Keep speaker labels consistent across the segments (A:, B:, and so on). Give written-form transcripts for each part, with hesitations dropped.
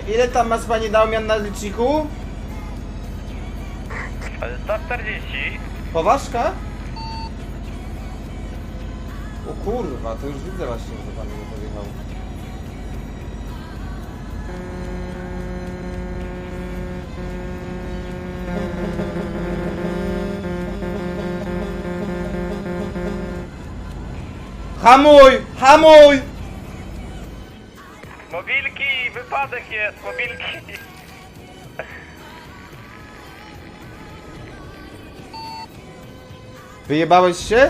A: Ile tam masz pani Daumian na liczniku?
B: 140.
A: Poważka? O kurwa, to już widzę właśnie, że pan nie podjechał. Hamuj! Hamuj!
B: Mobilki! Wypadek jest! Mobilki!
A: Wyjebałeś się?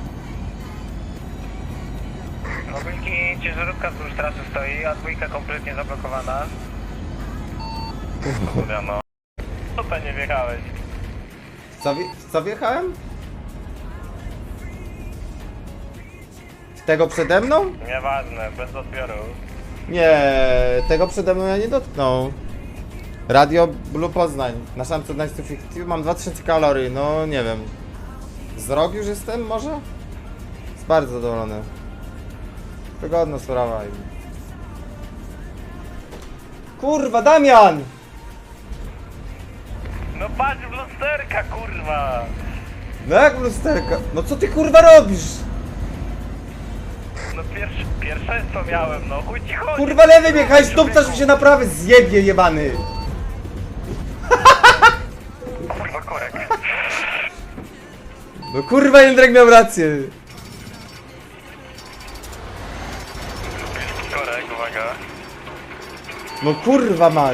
B: Mobilki, ciężarówka wzdłuż trasy stoi, a dwójka kompletnie zablokowana. Kurwa no. Co to nie wjechałeś?
A: Co wjechałem? W tego przede mną?
B: Nieważne, bez odbioru.
A: Nie, tego przede mną ja nie dotknął. Radio Blue Poznań. Na szance 1950 mam 2000 kalorii, no nie wiem. Z rok już jestem może? Jest bardzo zadowolony. Wygodna sprawa. Kurwa, Damian!
B: No patrz w lusterka, kurwa!
A: No jak w lusterka? No co ty kurwa robisz?
B: No pierwszeństwo miałem, no chuj ci chodzi!
A: Kurwa lewy biegaj, stupcasz mi się na prawy, zjebie jebany!
B: Kurwa korek.
A: No kurwa Jędrek miał rację.
B: Korek, uwaga.
A: No kurwa mać.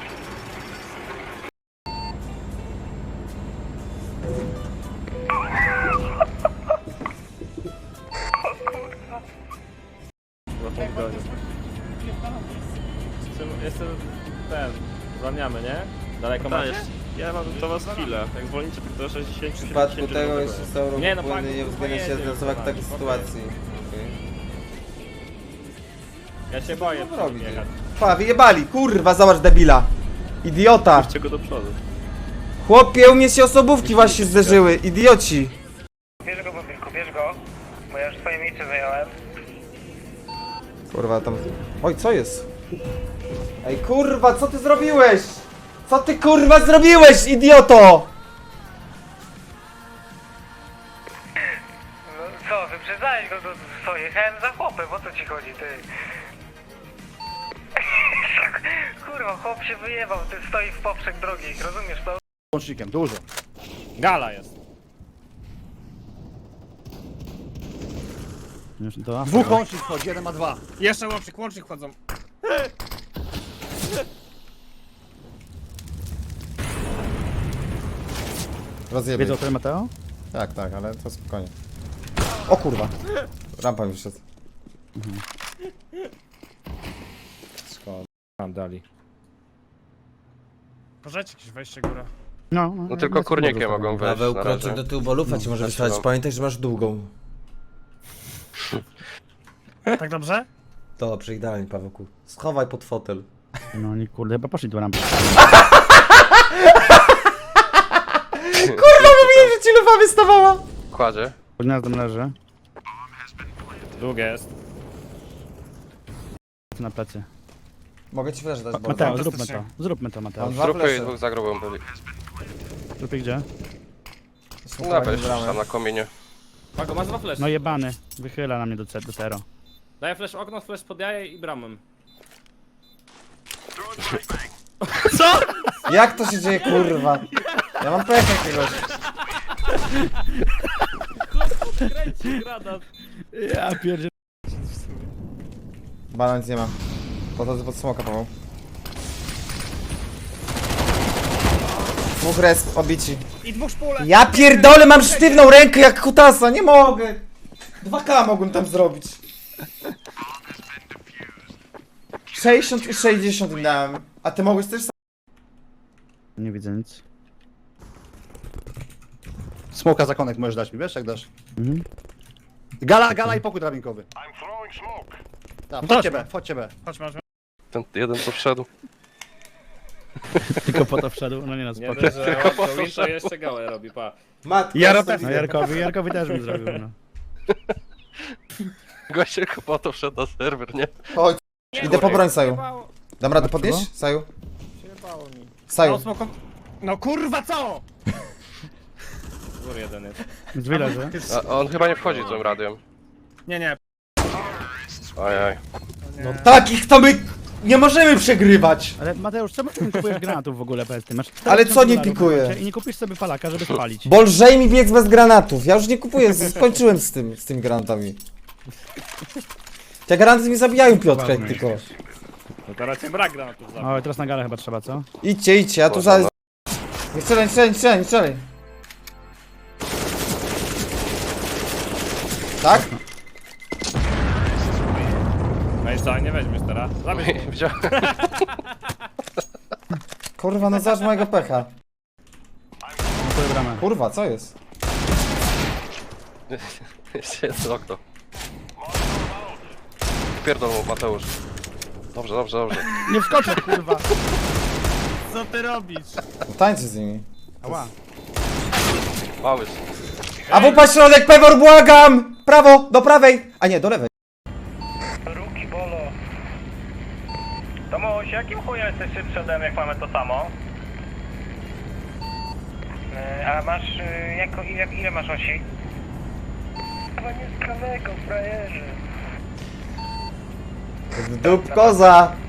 C: Jestem ten, zwalniamy, nie? Daleko macie?
D: Ja mam do was chwilę. Jak zwolnicie tak do 60
A: W przypadku tego jeszcze są ruch
C: Nie, no
A: płynny,
C: pan,
A: nie uwzględnia się
C: pojedzie,
A: zdecydować w
C: pan,
A: takiej
C: spokojnie.
A: sytuacji. Okay.
C: Ja się boję
A: Co robić?
C: jechać.
A: Pa, wyjebali, kurwa, zobacz debila. Idiota.
D: Puśćcie go do przodu.
A: Chłopie, u mnie się osobówki właśnie zderzyły, idioci.
B: Bierz go, mobilku, bierz go. Bo ja już swoje miejsce zająłem.
A: Kurwa, tam... Oj, co jest? Ej, kurwa, co ty zrobiłeś? Co ty, kurwa, zrobiłeś, idioto?
B: No co, wyprzedzałeś go, co, jechałem za chłopem, o co ci chodzi, ty? Kurwa, chłop się wyjebał, ty stoi w poprzek drogi, rozumiesz to?
E: Łącznikiem, dużo.
C: Gala jest.
E: Dwóch łącznik wchodzi, jeden ma dwa.
C: Jeszcze łącznik wchodzą.
A: Rozjebie.
E: Wiedzą, który Mateo?
A: Tak, tak, ale to spokojnie. O kurwa. Rampa mi wyszedł. Szkoda.
C: Tam dali. Możecie jakieś wejście góra.
D: No tylko kurnikie mogą wejść
A: Paweł,
D: na razie.
A: kroczek do tyłu, bo lufa ci może wystarczyć. Pamiętaj, że masz długą.
C: Tak dobrze?
A: Dobrze, idealnie, Pawełku. Schowaj pod fotel.
E: No oni kurde, chyba poszli do rampy.
A: Kurwa, mówiłem, że ci lufa wystawała!
D: Kładzie.
E: Pod gniazdem leży.
C: Długie jest.
E: Na plecy.
A: Mogę ci flash dać, bo...
E: Mateo, zróbmy to. Zróbmy to, Mateo.
A: Mam dwa
D: Trupy i
A: flesze.
D: dwóch za grubą byli.
E: Zróbmy gdzie?
D: No weź tam na kominie.
C: Pago, masz dwa flash.
E: No jebany. Wychyla na mnie do zero.
C: Daję flash okno, flash pod jaje i bramę.
A: Jak to się dzieje, kurwa? Ja mam pecha jakiegoś.
C: Kręci granat.
E: Ja pierdzie...
A: Bana nic nie ma. Podchodzę pod smoka, Paweł. Dwóch resp, obici.
C: I dwóch szpulek.
A: Ja pierdolę, mam sztywną rękę jak kutasa, nie mogę! 2K mogłem tam zrobić. 60 i 60 im dałem. A ty mogłeś też sam...
E: Nie widzę nic. Smoka zakonek możesz dać mi, wiesz jak dasz? Mhm. Gala i pokój drabinkowy. Tak, wchodźcie B.
C: Chodź, masz.
D: Ten jeden co wszedł.
E: Tylko po to wszedł, no nie na
C: Nie
E: spoko.
C: dość, że Win to jeszcze gałę robi, pa.
A: Matko,
E: No Jarkowi też bym zrobił, no.
D: Goście tylko po to wszedł na serwer, nie?
A: Chodź, idę po broń saju. Dam radę podnieść? Saju?
C: Przyjebało mi.
A: Saju.
C: No kurwa co? Gór jeden jest.
F: Drzwi leży.
D: A on chyba nie wchodzi tym radiem.
C: Nie.
D: Ajaj.
A: No takich to my nie możemy przegrywać.
F: Ale Mateusz, czemu ty nie kupujesz granatów w ogóle bez tym? Masz
A: Ale co nie
F: $4000
A: pikuję?
F: I nie kupisz sobie palaka, żeby spalić.
A: Bo lżej mi biec bez granatów. Ja już nie kupuję, skończyłem z tymi granatami. Te granaty mi zabijają Piotrka jak tylko.
C: No teraz cię brak granatów za.
F: O, teraz na galę chyba trzeba, co?
A: Idźcie, ja tu
D: Można,
A: za... Nie strzelaj. Tak?
C: No i co, nie weźmiesz teraz? Zabierz.
D: Widziałem.
A: Kurwa, no zobacz mojego pecha.
F: Twoje bramę.
A: Kurwa, co jest?
D: Jeszcze jest okno. Pierdol mu, Mateusz. Dobrze.
F: Nie wskoczę, kurwa.
C: Co ty robisz?
A: No tańczy z nimi.
F: Ała.
D: Mały.
A: A wupa środek, Pewor, błagam! Prawo, do prawej! A nie, do lewej.
B: Ruki bolo. Tomuś, jakim chujem jesteś szybszy ode mnie, jak mamy to samo? A masz, ile masz osi? Chyba nie z prawego, frajerze.
A: Dup koza!